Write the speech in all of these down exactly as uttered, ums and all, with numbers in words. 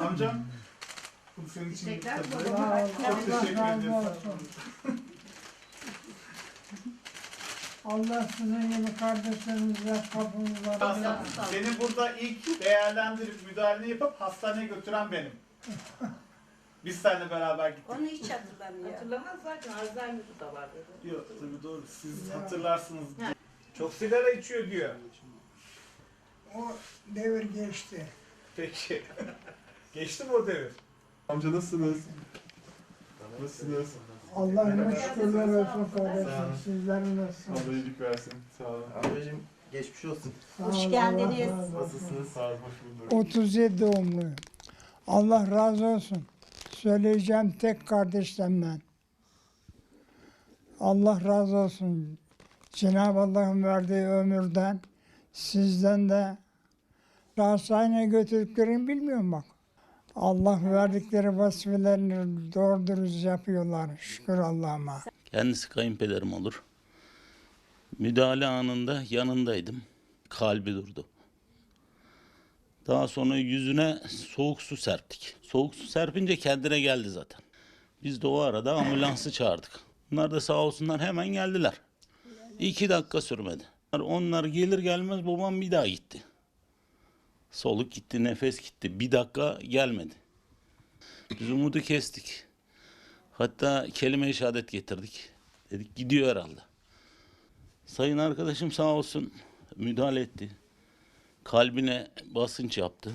Amcam, bu senin için Teşekkürler tabii. babama. Çok teşekkür ederiz. Allah sizin gibi kardeşlerinize kapınızı Aslında seni burada ilk değerlendirip müdahale yapıp hastaneye götüren benim. Biz seninle beraber gittik. Onu hiç hatırlamıyor. Hatırlamaz zaten Alzheimer'ı da var dedi. Yok tabii doğru. Siz hatırlarsınız. Çok sigara içiyor diyor. O devir geçti. Peki. Geçti mi o devir? Amca nasılsınız? Nasılsınız? Allah'ın şükürler olsun kardeşim. Sizler nasılsınız? Allah iyilik versin. Sağ olun. Ablacığım geçmiş olsun. Sağ Hoş olun, geldiniz. Allah razı olsun. Nasılsınız? Sağ olun. Hoş bulduk. otuz yedi doğumluyum. Allah razı olsun. Söyleyeceğim tek kardeşten ben. Allah razı olsun. Cenab-ı Allah'ın verdiği ömürden, sizden de hastaneye götürdüklerini bilmiyorum bak. Allah verdikleri vazifelerini doğru dürüst yapıyorlar. Şükür Allah'ıma. Kendisi kayınpederim olur. Müdahale anında yanındaydım. Kalbi durdu. Daha sonra yüzüne soğuk su serptik. Soğuk su serpince kendine geldi zaten. Biz de o arada ambulansı çağırdık. Bunlar da sağ olsunlar hemen geldiler. İki dakika sürmedi. Onlar gelir gelmez babam bir daha gitti. Soluk gitti, nefes gitti. Bir dakika gelmedi. Biz umudu kestik. Hatta kelime-i şehadet getirdik. Dedik gidiyor herhalde. Sayın arkadaşım sağ olsun müdahale etti. Kalbine basınç yaptı.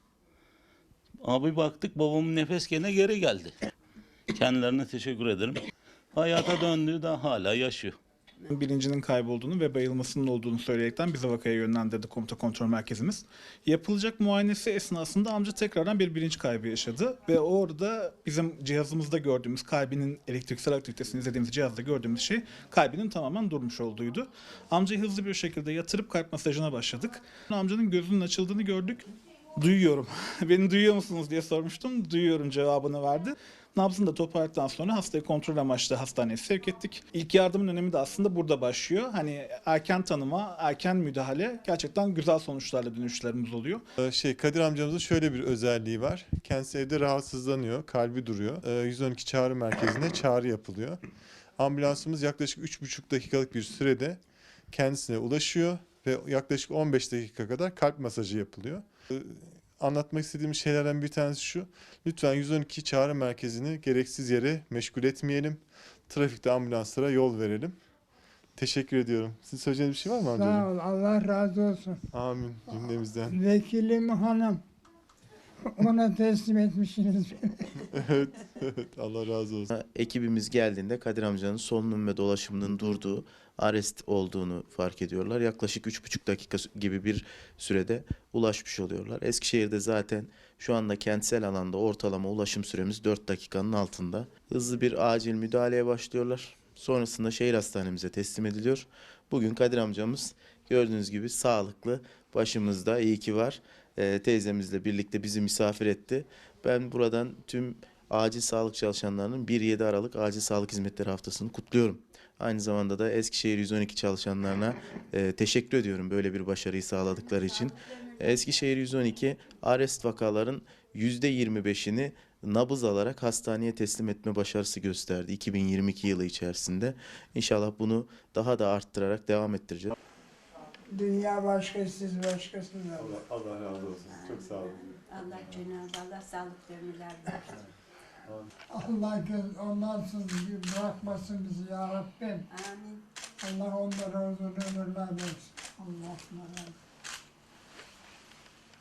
Abi baktık babamın nefes gene geri geldi. Kendilerine teşekkür ederim. Hayata döndüğü de hala yaşıyor. Bilincinin kaybolduğunu ve bayılmasının olduğunu söyleyerekten bizi vakaya yönlendirdi komuta kontrol merkezimiz. Yapılacak muayenesi esnasında amca tekrardan bir bilinç kaybı yaşadı ve orada bizim cihazımızda gördüğümüz kalbinin elektriksel aktivitesini izlediğimiz cihazda gördüğümüz şey kalbinin tamamen durmuş olduğuydu. Amcayı hızlı bir şekilde yatırıp kalp masajına başladık. Amcanın gözünün açıldığını gördük. Duyuyorum. Beni duyuyor musunuz diye sormuştum. Duyuyorum cevabını verdi. Nabzını da toparladıktan sonra hastayı kontrol amaçlı hastaneye sevk ettik. İlk yardımın önemi de aslında burada başlıyor. Hani erken tanıma, erken müdahale gerçekten güzel sonuçlarla dönüşlerimiz oluyor. Ee, Şey Kadir amcamızın şöyle bir özelliği var. Kendisi evde rahatsızlanıyor, kalbi duruyor. Ee, yüz on iki çağrı merkezine çağrı yapılıyor. Ambulansımız yaklaşık üç buçuk dakikalık bir sürede kendisine ulaşıyor ve yaklaşık on beş dakika kadar kalp masajı yapılıyor. Ee, Anlatmak istediğim şeylerden bir tanesi şu. Lütfen yüz on iki çağrı merkezini gereksiz yere meşgul etmeyelim. Trafikte ambulanslara yol verelim. Teşekkür ediyorum. Sizin söyleyeceğiniz bir şey var mı amcacığım? Sağ ol. Allah razı olsun. Amin cümlemizden. Vekilim hanım. Ona teslim etmişsiniz beni. Evet, evet. Allah razı olsun. Ekibimiz geldiğinde Kadir amcanın solunum ve dolaşımının durduğu, arrest olduğunu fark ediyorlar. Yaklaşık üç buçuk dakika gibi bir sürede ulaşmış oluyorlar. Eskişehir'de zaten şu anda kentsel alanda ortalama ulaşım süremiz dört dakikanın altında. Hızlı bir acil müdahaleye başlıyorlar. Sonrasında şehir hastanemize teslim ediliyor. Bugün Kadir amcamız gördüğünüz gibi sağlıklı, başımızda, iyi ki var. Ee, teyzemizle birlikte bizi misafir etti. Ben buradan tüm acil sağlık çalışanlarının bir yedi Aralık Acil Sağlık Hizmetleri Haftası'nı kutluyorum. Aynı zamanda da Eskişehir yüz on iki çalışanlarına e, teşekkür ediyorum böyle bir başarıyı sağladıkları için. Eskişehir yüz on iki arrest vakaların yüzde yirmi beşini nabız alarak hastaneye teslim etme başarısı gösterdi iki bin yirmi iki yılı içerisinde. İnşallah bunu daha da arttırarak devam ettireceğiz. Dünya başka, siz başkasınız. Allah, Allah razı olsun. Çok sağ olun. Allah Cenab-ı Allah sağlıklı ömürler versin. Allah göz ondan sonra bırakmasın bizi ya Rabbim. Amin. Allah onlara uzun ömürler versin. Allah'ım razı olsun.